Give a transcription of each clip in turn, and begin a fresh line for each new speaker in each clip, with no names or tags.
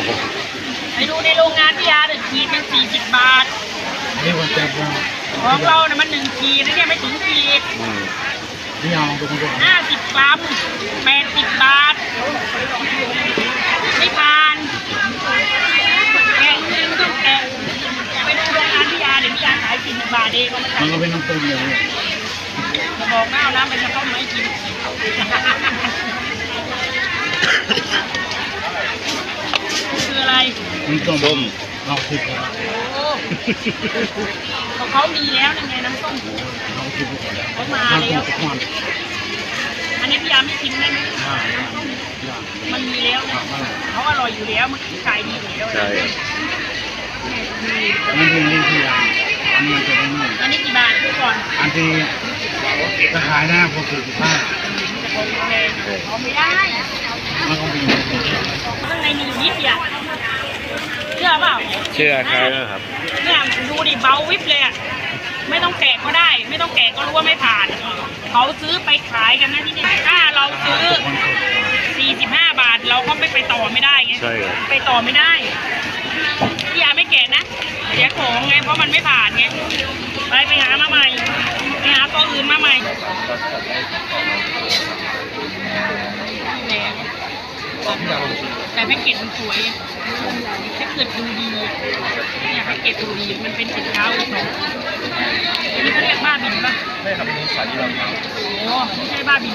ไปดูในโรงงานพี่ยาเด็กขีดเป็น40 บาท
นี่วันเต็มแล้ว
ของเราเนี่ยมัน1 ขีดนะเนี่ยไม่ถึงขีด
นี่เอาดูดู
50 กรัม80 บาทไม่ผ่านแกะจริงต้องแกะไปดูโรงงานพี่ยาเดี๋ยวพี่ยาขาย40 บาทเอง
มันก็เป็นน้ำต้มเลย
จะบอกน้าน้ำเป็นน้ำต้มไม่กินคืออะไร
น้ำต้มเราคิด
เขามีแล้วยังไงน้ำส้มเขามาแล้วอันนี้พี่ยาไม่ชิมได้ไหมมันมีแล้วเขาอร่อยอยู่แล้วมันขายดีอยู่แล้ว
ใช่มันเป็นที่ที่อันนี้จะเป็นนู่น
อันนี้กี่บาทดูก่อน
อันที่จะขายหน้าพอ45
เขาไม่ได้
มันก็มี
ข้างในมีนิดเดียวเชื่อเปล่า
เชื่อครับ
เนี่ยดูดิเบาวิบเลยอ่ะไม่ต้องแกะก็ได้ไม่ต้องแกะก็รู้ว่าไม่ผ่านเขาซื้อไปขายกันนะที่นี่ถ้าเราซื้อ45 บาทเราก็ไม่ไปต่อไม่ได้ไงไปต่อไม่ได้พี่ยาไม่แกะนะเสียของไงเพราะมันไม่ผ่านไงไปหามาใหม่ไปหาตัวอื่นมาใหม่แต่แพ็กเกจมันสวยถ้าเกิดดูดีเนี่ยแพ็กเกจดูดีมันเป็นสินค้าอุดมอันนี้เขาเรียกบ้าบินป่ะ
ใช่ครับนี่ขายที่เรา
โอ้ไม่ใช่บ้าบิน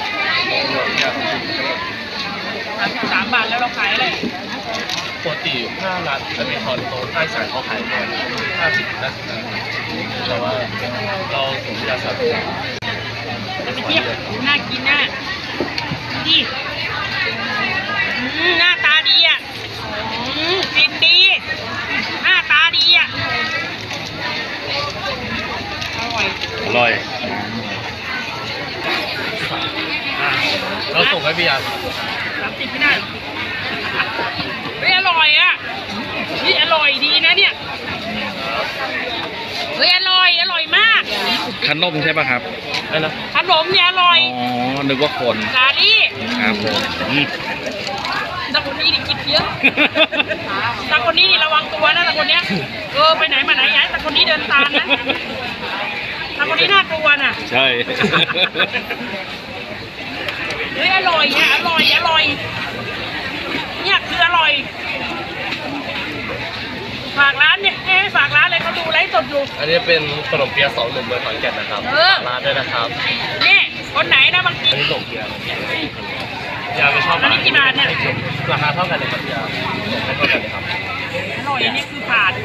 33 บาทแล้วเราขายอะไร
ปกติ5 ร้านจะมีคอนโทรค่าใช้เขาขายประมาณ50 นะแต่ว่าเราผมจะสั่ง
ไปเทียบน่ากินน่ะดีหน้าตาดีอ่ะกลิ่นดีหน้าตาดีอ่ะ
อร่อยเราส่งให้พี่ยา
30ไม่ได้เฮ้ยอร่อยอ่ะนี่อร่อยดีนะเนี่ยเฮ้ยอร่อยมาก
ขนมใช่ป่ะครับ
ขนมเนี่ยอร่อย
อ๋อนึกว่าคน
สาลี่
ครับผม
ตาคนนี้ดิกินเยอะตาคนนี้นี่ระวังตัวนะตาคนเนี้ยไปไหนมาไหนย้ายตาคนนี้เดินตามนะตาคนนี้น่ากลัวน่ะ
ใช่
เฮ้ยอร่อยเนี่ยอร่อยเนี่ยคืออร่อยฝากร้านเนี่ยฝากร้านเลยเขาดูไลฟ์สดอยู่
อันนี้เป็นขนมเปี๊ยะ2 หนุ่มเมืองขอนแก่นนะครับร้านด้วยนะครับ
นี่คนไหนนะบางที
อันนี้หลงเปี๊ยะยาไม่ชอบ
อันนี้กี่บาทเนี่ย
ราคาเท่ากันเลยครับยาไม่เท่ากันเลยครับ
อร่อยนี่คือผ่าน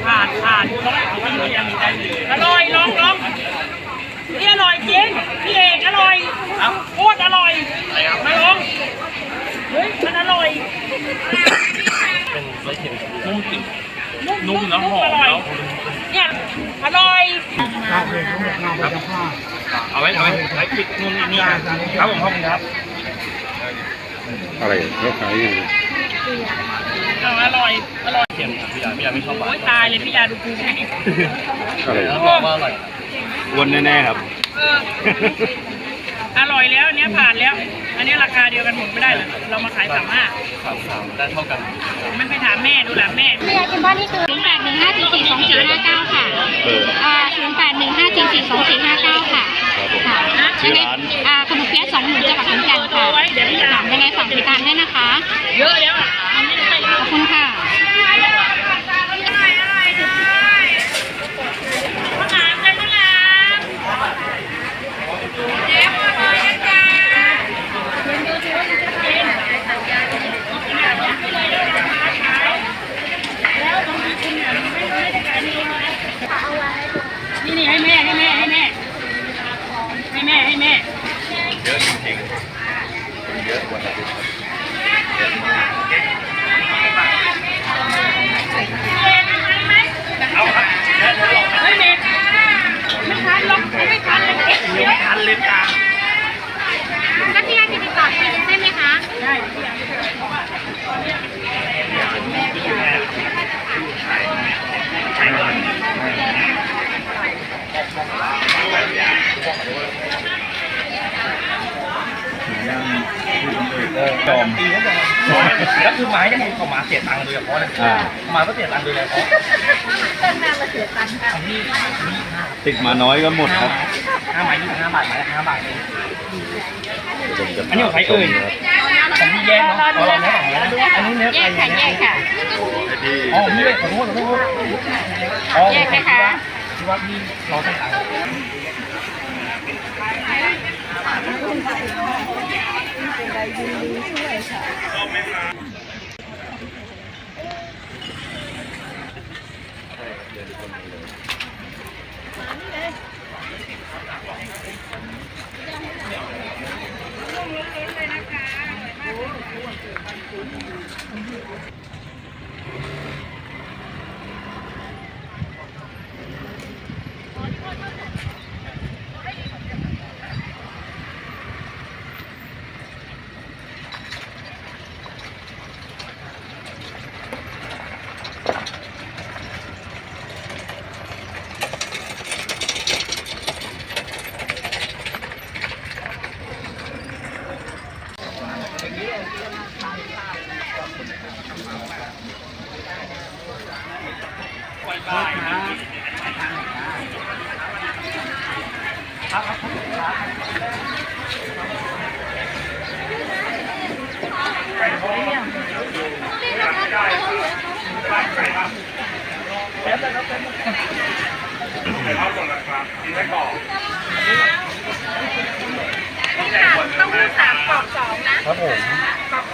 อร่อยลองนี่อร่อยจริงพี่เอกอร่อยโคตรอร่อยมาลองเฮ้ยมันอร่อย
เป็นไรเค็ม
นุ่มจริงนุ่มแล้วหอมแล้วเนี่ยอร่อย
เอาไว้ปิดนู่นนี่ครับผมขอบคุณครับ
อะไรเขาขายอยู่
อร่อย
เค็มพี่ยาไม่ชอบหวาน
โอ้ยตายเลยพี่ยาดูกูไง
อะไร
บอกว่าอร่อย
วนแน่ๆครับ
อร่อยแล้วเนี้ยผ่านแล้วอันนี้ราคาเดียวกันหมดไม่ได้เลยเรามาขาย35
ได้เท่ากัน
มันไปถามแม่ดูหล่ะแม่
พี่ยากินบ้านนี่คือ0815442459ค่ะ0815442459ค่ะ
ชื่อร้าน
ขนมเปี๊ยะ2 หนุ่มจังหวัดขอนแก่นค่ะยังไงฝากติดตามด้วยนะคะ
เยอะแล้ว
ขอบคุณค่ะ
นี่ให้แม่เยอะจ
ริงๆเยอะกว่าแต่
เอาครับไม่เม็ดไม่ทันหรอกไม่ทันเลย
ไม่ทันเลยจ้า
แล้วพี่ยาติดต่อใช่ไหมคะ
ได้
จอม
แล้วคือไม้ยังไงเขามาเสียตังค์โดยเฉพาะเลยมาก็เสียตังค์โดยเฉพาะ
ต้นหน้ามาเสียตังค์ค่ะ
ของพี่
ติดมาน้อยก็หมดครับ
5 ไม้25 บาทไม้ละ5 บาทเอง
ผมจะ
อันนี้ของใครเอ่ยของพี่แยกเนาะเราเนื้อของแล้วอันนี้เนื้อ
แยกค่ะแยกค่ะ
อ๋อพี่เลยขอโทษ
แยกนะคะ
ที่ว่าพี่เราต้องตังค์
ต้องมี3 กล่อง 2 นะครับ
ผม
กล่อง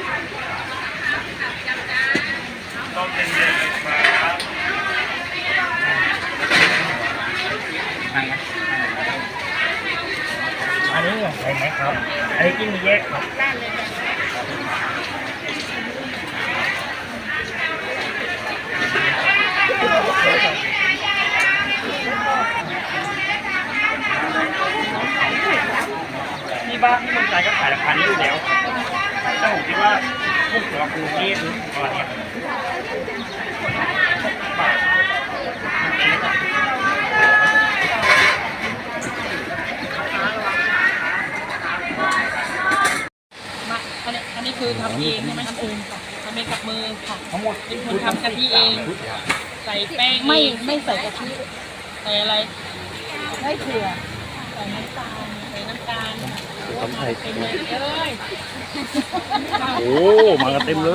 อันนี้ของใครไหมครับ อันนี้กินมีแยกครับ
2ได้เลย
ที่บ้านที่เมืองไทยก็ขายราคานี้อยู่แล้วแต่ผมคิดว่าพวกตัวกรุงเทพหรืออะไรเนี่ย
มาอันนี้คือทำเองใช่ไหมทำเองค่ะทำเองกับมือค่ะ
ทั้งหมด
เป็นคนทำกะทิเอง ใส่แป้งไม่ใส่กะทิใส่อะไรไม่เผื่อใส่น้ำตาลเป็นเลยเอ้ย
โอ้มากันเต็มเลย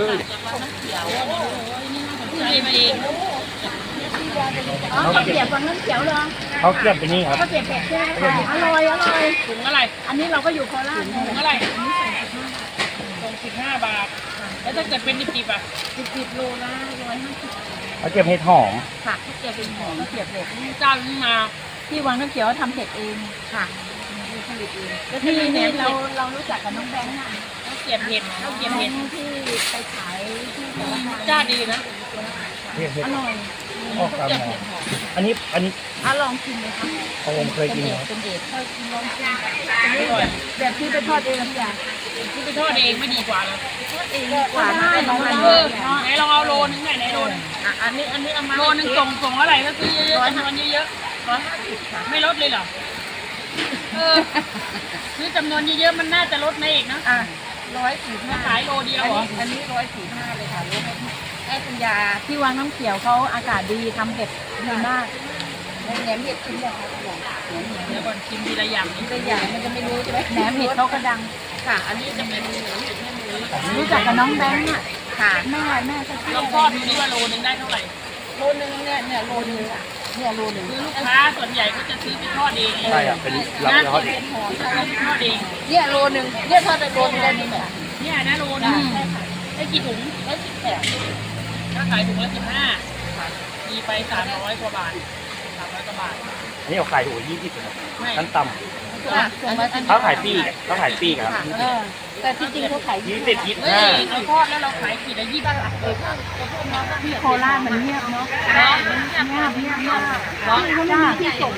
ใส่มาเอง
อ๋อข้าวเกรียบวังน้ำเขียวเหรอ
เขาเก็บไปนี่ครับ
ข้าวเกรียบเผ็ดใช่ไหมคะอร่อย
ถุงอะไร
อันนี้เราก็อยู่โคราช
ถุงอะไรส่ง15 บาท แล้วถ้าเกิดเป็นดิบๆอ่ะ
10 โลละ150
เขาเก็บเห็ดหอม
ค่ะข้าวเกรียบเป็นหอมข้าวเกรียบเผ็ด
เจ้านี้มา
ที่วังน้ำเขียวทำเผ็ดเองค่ะผลิตเองนี่เรารู้จักกับน้องแบงค์น่ะ
ข้าวเกรียบเห็ดข้าวเกรียบเห็ด
ที่ไปขายที่สารคาม
จ้าดีนะ
เห็ด
อร่อย
ออกตามหอมอันนี้
ลองชิมเลยค่ะ
ผมเคยกิน
เป็นเอกถ้ากินลองชิม
อร่อย
แบบที่ไปทอดเองนะจ๊ะ
ที่ไปทอดเองไม่ดีกว่าเหรอ
เองกว่านะน้องมัน
เออไหนลองเอาโลนึงไหนโลนึง
อันนี้เอามา
โลนึงส่งเท่าไหร่ก็ซื้อเยอะๆจำนวนเยอะ
150ค่ะ
ๆไม่ลดเลยเหรอเออซื้อจำนวนเยอะๆมันน่าจะลดนะเอกนะ
145
มาขายโลเดียวเหรอ
อันนี้145เลยค่ะรู้ไหมให้คุณยาที่วังน้ำเขียวเขาอากาศดีทำเผ็ดดีมากแหนมเห็ดชิ้นเดียวค่ะ
เดี๋ยวก่อนกินทีละอย่างนี้
ตัวอย่างมันจะไม่รู้ใช่ไหมแหนมเห็ดเขาก็ดังค่ะ อันนี้จะเป็นรู้จักกับน้องแบงค์อ่ะค่ะแม่เขาชื่อ
เราทอดดูดิว่าโลนึงได้เท่าไหร่
โลนึงเนี่ยโลนึงอ่ะเนี่ยโลนึง
คือลูกค้าส่วนใหญ่ก็จะซื้อไปทอดเอง
ใช่อ่ะเป็นรับ
นะ
ยอด
เป็นหอม
ทอดเอง
เนี่ยโลนึงเนี่ยทอดไปโลนึงได้นี่แหละ
เนี่ยนะโลนึงได้กี่ถุง
ได้18
ถ้าขายถุงละ15มีไป300 กว่าบาท300 กว่าบาท
อันนี้เขาขายถูก20ครับ
ไม่
ขั้นต่
เขา
ำเขาขายปีกครับ
แต่ที่จริงเขาขาย
20
เฮ้ยเราทอดแล้วเราขายขีดละ20 บาท
ที่โคราชมันเงียบเนาะเงียบร้อนเขาไม่มีที่ส่ง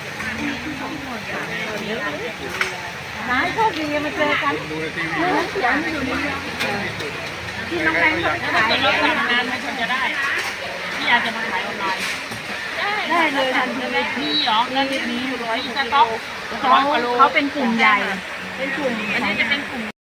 นายโชคดีมาเจอกันน้ำเสียงอยู่นี่ที่น้องแบงค์เขา
ถ้า
ขาย
เกิดเราสั่งนานมันควรจะได้พี่อาจจะมาขายออนไลน์
ได้เลยทันที
มีเหรอแล้วมีสต๊อก100 กว่าโล
เขาเป็นกลุ่มใหญ่ เป็นกลุ่มอันนี้จะเป็นกลุ่ม